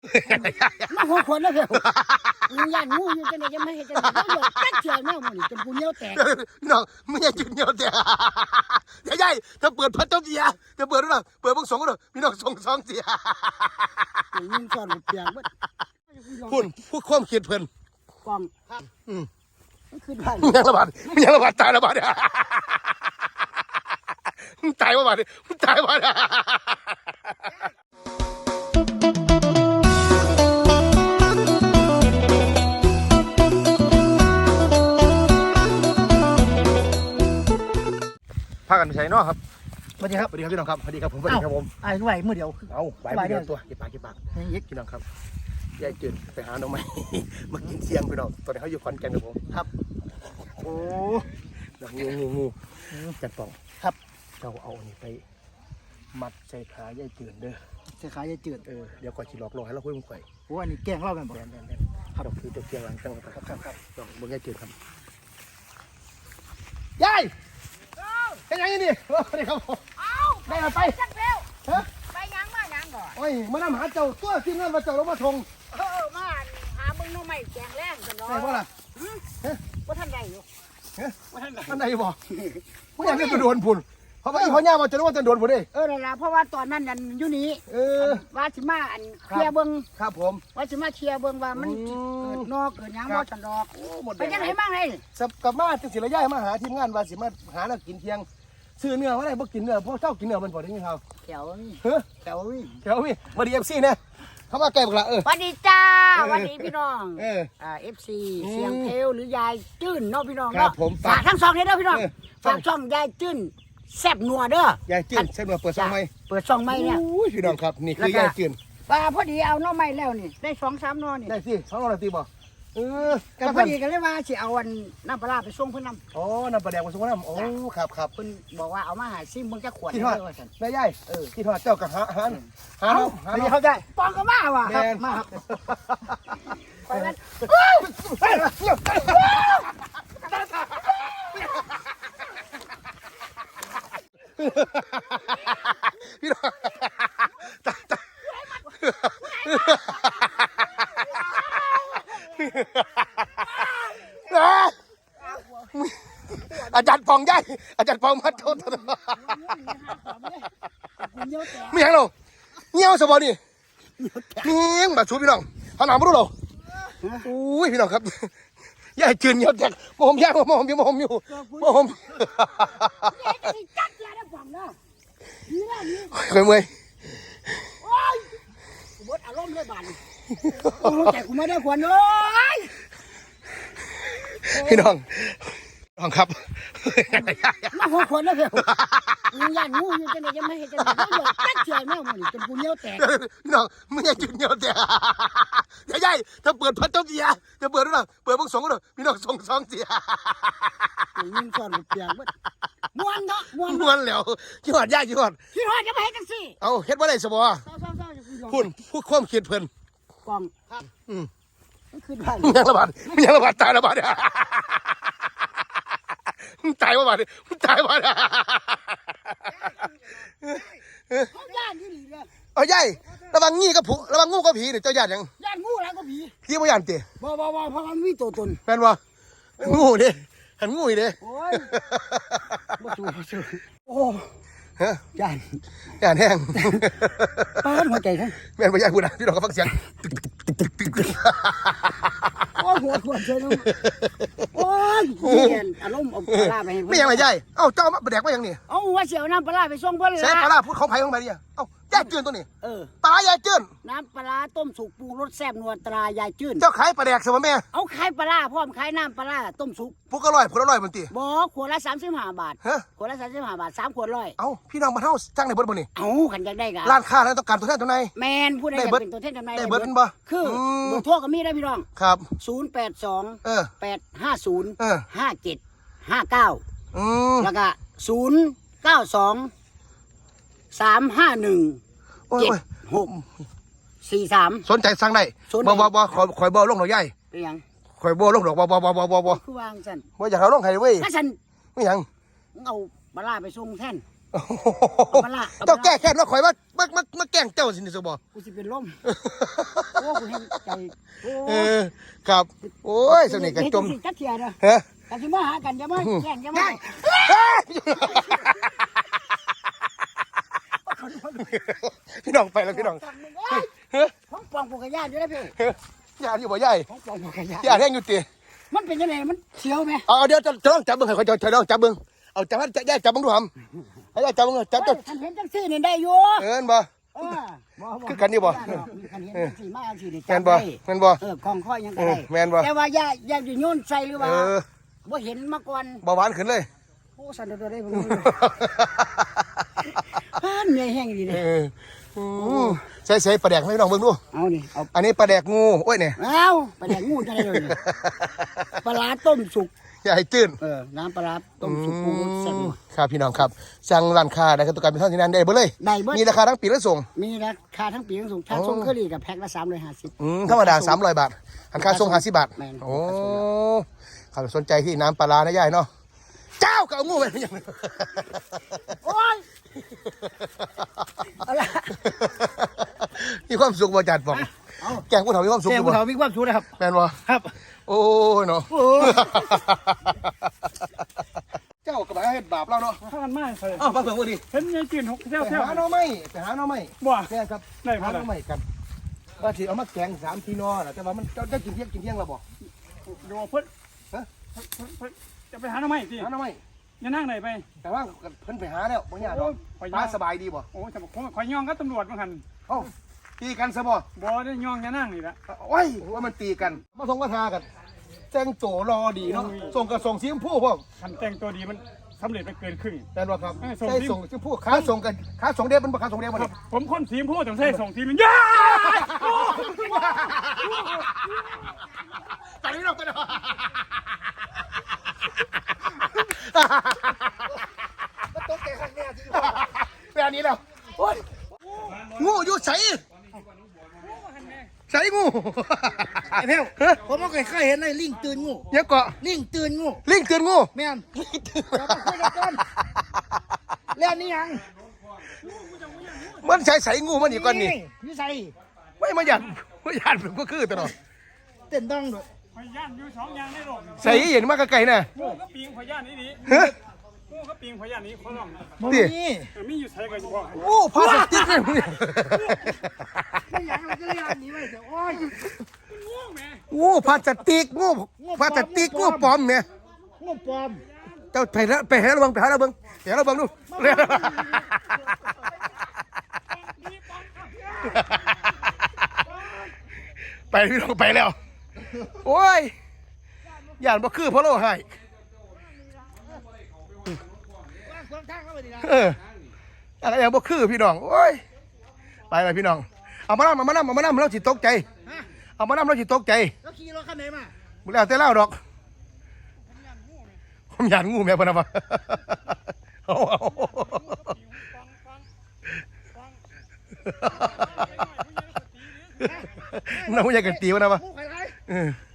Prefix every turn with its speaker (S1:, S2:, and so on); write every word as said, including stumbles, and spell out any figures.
S1: มาหัวคนแล้วเพื่อนมึงย่านงูอยู่จังไดจะไม่เห็นจังได๋บ่ตักเชื่อแม่มึงจนกูเหนียวแตก
S2: น้องมึงอย่าจุดเหนียวแตกใหญ่ๆถ้าเปิดพัดเจ้าเสียจะเปิดหรือเปล่าเปิดเบิ่งสองก็ได้พี่น้องส่งสองเสีย
S1: ยิงซ่อนเปียกบ่
S2: พูดพูดความคิดเพิ่น
S1: กองครับอืมมันขึ้นบ้าน
S2: มึงยังระบาดมึงยังระบาดตายระบาดมึงตายระบาดมึงตายระบาดพากันไปใช้นอกครับสวัสดีครับสวัสดีครับพี่น้องครับสวัสดีครับผมสวัสดีครับผม
S1: ไอ้ไหวมือเดียว
S2: เอาไหวมือเดียวตัวเก็บปากเก็บปากนี่พี่น้องครับยายจืดไปหาหน่อไม้มากินเสียงพี่น้องตอนนี้เขาอยู่คอนแก่นกับผม
S1: ครับ
S2: โอ้งูงูงูจัดปอง
S1: ครับ
S2: เราเอานี่ไปมัดใส่ขายายจืดเด้อ
S1: ใส่ขายายจืด
S2: เออเดี๋ยวก่อนจีหลอกลวงให้เราคุยมึงไป
S1: โอ้อันนี้แกงเล่ากันบ่
S2: แดนแดนแดนครับคือตัวเกียงหลังจังครับครับครับลองมึงยายจืดครับยายเป็นยังไงนี่นี่ครับผมได้มาไป
S3: จักเร็วฮะไปยังมายังก่อน
S2: โอ้ยมานำหาเจ้าตัวที่นั่นมาเจ้าลงมาทง
S3: เออมาหาบึงน้องใหม่แกงแรงกันเนาะ
S2: ใช่ป่ะล่ะ
S3: ว่าท่านใดอยู่
S2: ว่าท่านใดท่านใดบอกผู้ใหญ่ไม่โดนพุ่นเพราะว่าอีพ่อย่ามาจะรู้ว่าจะโดนพุ่นดิ
S3: เออนั่นแหละเพราะว่าตอนนั้นนั่นอยู่นี่
S2: เออ
S3: ว่าสิมาอันเคลียร์เบิ้ง
S2: ครับผม
S3: ว่าสิมาเคลียร์เบิ้งว่ามันเกิดนอกเกิดยังบ่ตันดอกไปยังไงบ้างเลย
S2: สับกับมาจังสิระยะมาหาทีมงานว่าสิมาหาแล้วกินเที่ยงซื้อเนื้อว่าได้บ่กินเนื้อเพราะเจ้ากินเนื้อมันพอได้ยินเขา
S3: แถวนี่
S2: เฮ้ย
S3: แถวนี่
S2: แถวนี่มาดีเอฟซีเนี่ยเขามาแก้บักละเออ
S3: วันดีจ้าวันดีพี่น้องเอออ่าเอฟซีเสียงเพลหรือยายจื้นเนาะพี่น้องเนาะฝากทั้งสองนี้เด้อพี่น้องฝากช่องยายจื้นแซ่บนัวเด้
S2: อยายจืนแซ่บนัวเปิดช่องใหม่
S3: เปิดช่องใหม่เนี่ย
S2: อุ้ยพี่น้องครับนี่คือยายจืน
S3: ปลาพอดีเอาน้องใหม่แล้วนี่ได้สองสามนอนี่
S2: ได้สิสองนอตีบ่เออ
S3: กันพอดีกันเลยว่าสิเอาวันน้ำปลาไปส่งเพิ่นนำ
S2: อ๋อน้ำปลาแดงไปส่งน้ำโอ้ครับครับ
S3: เพิ่นบอกว่าเอามาหาซิมึงจะขวด
S2: ที่ทอดได้ยายเออที่ทอดเจ้ากับหาหาหาหา
S3: เขาได้ปองก็มาว่ะ
S2: มาครับ
S3: ไปแล้ว
S2: พี่น้องอาจารย์ปองย่ายอาจารย์ปองมัดโทษไม่ยังเราเงี้ยวสบอนี่เงี้ยแบบชูพี่น้องเขาหนาวไม่รู้หรออุ้ยพี่น้องครับย่ายจืนเงี้ยวแตกมอมย่างมอมอยู่มอมอยู่มอมเคยเมื่อย
S3: บดอารมณ์เลยบ้านโอ้แต่กูไม่ได้ขวัญเลย
S2: พี่น้องน้องครับ
S1: มาหัวคนแล้วเพื่อนมึงย่านงูอยู่จังไดจะไม่เห็นจังได๋บ่ตักเชื่อแม่มึงจนกูเหนียวแตก
S2: น้องมึงอย่าจุดเหนียวแตกใหญ่ๆถ้าเปิดพัดเจ้าเสียจะเปิดหรือเปล่าเปิดเบิ่งสองก็ได้พี่น้องส่งสองเสีย
S1: ยิงซ่อนเปียกบ่ม่วนเนาะม่วน
S2: ม่วนแล้วขี้หอดย่าขี้หอด
S1: ขี้หอดจะไปเฮ็ดจังซี่
S2: เอาเฮ็ดบ่ได้ซะบ่พูดพูดความคิดเพิ่น
S1: กองครับอืมมันขึ้นบ้าน
S2: มึงยังระบาดมึงยังระบาดตายระบาดมึงตายระบาดมึงตายระบาด
S1: เขาย่านอยู่นี่เด้อ
S2: เอาใหญ่ระวังงี้กับผู้ระวังงูกับผีนี่เจ้าย่านยัง
S1: ย่านงูแล้วก็ผี
S2: ผีบ่ย่านติ
S1: บ่บ่บ่เพราะมันมีตัวตน
S2: แม่นบ่งูเด้หันงูอีเด้
S1: โอ้ยบ่สู้บ่สู้โอ้
S2: ฮะ
S1: ย่าน
S2: ย่านแห้ง
S1: ปานหัวใจทั้ง
S2: แม่นบ่ย่านพูดนะพี่น้องก็ฟังเสียง
S1: โอ้หัวควรใช่เนาะโอ้ยเห็นอารมณ์เอาปลาไปให้
S2: ไม่ยังไงใหญ่เอ้าเจ้ามาแดกว่ายังนี่
S1: เอ้าว่าเสียวน้ำปลาไปส่งเพิ่นล่ะ
S2: ใส่ปลาพูดของไผของมันดิเอ้ายายจืนตัวนี้
S1: เออ
S2: ปลายายจืน
S1: น้ำปลาต้มสุกปรุงรสแซ่บนัวตรายายจืน
S2: เจ้าขายปลาแดกใช่ไหมแม่
S1: เอาขายปลาพร้อมขายน้ำปลาต้มสุก
S2: พวกอร่อยพวกอร่อยมันตี
S1: บ่ขวดละสามสิบห้าบาท
S2: ฮะ
S1: ขวดละสามสิบห้าบาทสามขวดร้อย
S2: เอ้าพี่น้องมาเท่าจ้างในเบิร์ดบ่นี่
S1: เอ้าขันอยากได้กัน
S2: ร้านค้าแล้วต้องการตัวแทนตัวไหน
S1: แมนผู้ใดอยากเป็นตัวแทนตัวไหน
S2: ได้เบิร์ดบ่
S1: คือเบอร์โทรก็มีได้พี่น้อง
S2: ครับ
S1: ศูนย์แปดสอง
S2: เออ
S1: แปดห้าศูนย์
S2: เออ
S1: ห้าเจ็ดห้าเก้า
S2: อืม
S1: แล้วก็ศูนย์เก้าสองสามห้าหนึ่งเจ็ดหกสี่สาม
S2: สนใจสั่งได้บ่บ่บ่คอยคอยบ่ลงดอกใหญ่
S1: เป็นยัง
S2: คอยบ่ลงดอกบ่บ่บ่บ่บ่บ่
S1: คือวางสัน
S2: บ่อยากเอาลงให้เว้ย
S1: ถ้าสัน
S2: ไม่ยัง
S1: เอาปลาไปส่งแทน
S3: เอามาละเอามาละ
S2: เจ้าแก้แค้นว่าข่อยว่ามามามาแกล้งเจ้าสินี่ซะบ่
S3: กูสิเป็นลมโอ้กูเห็นใจโอ้
S2: เออครับโอ้ยสนิทกันจม
S3: เฮ็ดจังซี่จักเที่ยเด้อ
S2: ฮะ
S3: กันสิมาหากันอย่ามาแย่งอย่ามา
S2: พี่น้องไปแล้วพี่น้อง
S3: สั่งมึงเอ้ย
S2: เฮ้ย
S3: ของปองกูกระยานอยู่นะพี่
S2: ยาอยู่บ่ใหญ่
S3: ของปองกูกระยาน
S2: ยาแห้งอยู่ติ
S3: มันเป็นยังไงมันเสียวไหม
S2: เอาเดี๋ยวจะจะลองจับเบิ่งให้ข่อยจะลองจับเบิ่งเอาจับให้ยายจับเบิ่งดูหำให้ยายจับเบิ่งจับ
S3: เฮ้
S2: จั
S3: ย
S2: บ
S3: คันเห็นจังซี่นี่ได้อยู่
S2: เอิ้นบ่
S3: เออบ่บ่
S2: คือกันนี่บ่
S3: คันเห็นจังซี่มาจังซี่นี่
S2: แม่นบ่
S3: จำได้
S2: แม่นบ่
S3: เออของข้อยยังก็ได้
S2: เออแม่นบ่
S3: แต่ว่าอย่าอย่าอยู่โยนใส่หรือ
S2: เอ
S3: ว่า
S2: อ
S3: บ่เห็นมาก่อน
S2: เบาหวานขึ้นเลย
S3: โอ้สั่นตัวได้ผมฮ่านเหนื่อยแห้งดี
S2: เอ
S3: เลย
S2: ออืมใส่ใส่ปลาแดกให้พี่น้องเบิ่งดู
S3: เอานี่เอา
S2: อันนี้ปลาแดกงูโอ้ยเนี่ย
S3: เอาไปแดกงูจะได้เลยปลาร้าต้มสุก
S2: อย่าให้ตื้น
S3: เออน้ำปลาร้าต้มสุกปรุงรสแซ่บ
S2: ครับพี่น้องครับสั่งร้านค้าได้ครับตุกการเป็นท่านที่นั่นได้เบ่เลย
S3: ได้เบิด
S2: มีราคาทั้งปีและส่ง
S3: มีราคาทั้งปีทั้งส่งถ้าส่งเคอรี่กับแพ็คละสามร้อยห้าสิบ
S2: อืมธรรมดาสามร้อยบาทหันค่าส่งห้าสิบบาท
S3: แม่น
S2: โอ้ครับสนใจที่น้ำปลาร้านะยายเนาะเจ้าก็เอางูไปไม่ยัง
S3: โอ้ยเอาละ
S2: มีความสุขบ่จัดบอก
S3: เอา
S2: แกงผู้เฒ่ามีความสุข
S3: เจ้า
S2: อยู่
S3: ผู้
S2: บ่
S3: เฒ่ามีความสุขนะครับ
S2: แม่นบ่
S3: ครับ
S2: โอ้ยเนาะ
S3: โอ้ย
S2: เจ้าก็บ่เฮ็ดบาปเราเนาะ
S4: ข้ากันมากเลย
S2: อ้าวฟังเพิ่นบ่ดี
S4: เห็นยายจีนหกเที่ยว
S2: ไป
S4: เที่ยว
S2: หาหน่อไม้ไปหาหน่อไม้
S4: บ่
S2: แม่นครับ
S4: ได้
S2: หา
S4: มา
S2: หน่อไม้กันว่าสิเอามาแกงสามพี่น้องน่ะแต่ว่ามันเจ้าได้กินเที่ยงกินเที่ยงแล้วบ่
S4: ดูเพิ่น
S2: ฮะ
S4: เพิ่นเพิ่นเพิ่นจะไปหาหน่อไม้สิ
S2: หาหน่อไม้
S4: อย่านั่งไหนไป
S2: แต่ว่าเพิ่นไปหาแล้วบ่ยากดอก
S4: โอ้ย
S2: ป้าสบายดีบ่
S4: โอ้แต่ผมคอยย่องกับตำรวจมาหัน
S2: เอ้าตีกันซะบ่
S4: บ่ได้ย่องอย่านั่งนี่ละ
S2: โอ้ยว่ามันตีกัน มาส่งมาทากันแต่งโตรอดีเนาะส่งกับส่งสีชมพูพวก
S4: คันแต่งตัวดีมันสำเร็จไปเกินครึ่ง
S2: แต่ว่าครับ
S4: เอ้ยส่ง
S2: ใช่
S4: สี
S2: ส่งชมพูขาส่งกันขาส่งเดบมันบ่ขาส่งเดบบ่
S4: ครั
S2: เนี่
S4: บ
S2: ย
S4: ผมคนสีชมพูต้องใช้ส่งทีมันย่า
S2: ตอนนี้เราไปเนาะมันตกใจข้างแน่จริงแบบนี้แล้วโอ้ยงูอยู่ใสใสงู
S1: ไอ้เพียวผมก็เคยเห็นไอ้ลิงตื่นงู
S2: ยังเกาะ
S1: ลิงตื่นงู
S2: ลิงเตือนงู
S1: แม่นเราไปคุยกันก่อนแล้วนี่ยัง
S2: มันใสใสงูมันอยู่ก่อนนี่
S1: นี่ใส่
S2: ไม่มาหยัดมาหยัดเป็นก็คือตลอด
S1: เต้นต้องด้วย
S4: พยานอยู่สองอย่างในโลก
S2: ใส่เห็นมากไกลๆน่ะ
S4: งูก็ปิงพยานนี่ดี
S2: ฮะ
S4: งูก็ปิงพยานนี่คนร้อง
S1: บ่
S2: ดิ
S1: มี
S4: เออมีอยู่ใส่กันอยู่บ่
S2: โอ้พาสติกเลยมึง
S1: ไม่อยากเราจะเรียนหนี้ไว้เดี๋ยวโอ้ย
S4: งูแม่
S2: โอ้พาสติกงูพาสติกงูปลอมเนี่ย
S1: งูปลอม
S2: เจ้าไปแล้วไปหาระวังไปหาระวังไปหาระวังดูไปพี่น้องไปแล้วโอ้ยย่านบ่คือเพราะเราให้
S1: ว่างขวางทางเข้าไปดีนะ
S2: เอออะไรอย่างบ่คือพี่น้องโอ้ยไปเลยพี่น้องเอามานั่เอามานั่เอามานั่เราสิตกใจ
S1: ฮะ
S2: เอามานั่เราสิตกใจ
S1: แล้วขี่รถคันไหนมา
S2: มึงแล้วแต่เล่าดอกผมอยากงูแม่พะนะวะเอาเอาน้องอยากกันตีวะนะวะ
S1: งูใครไร
S2: เออ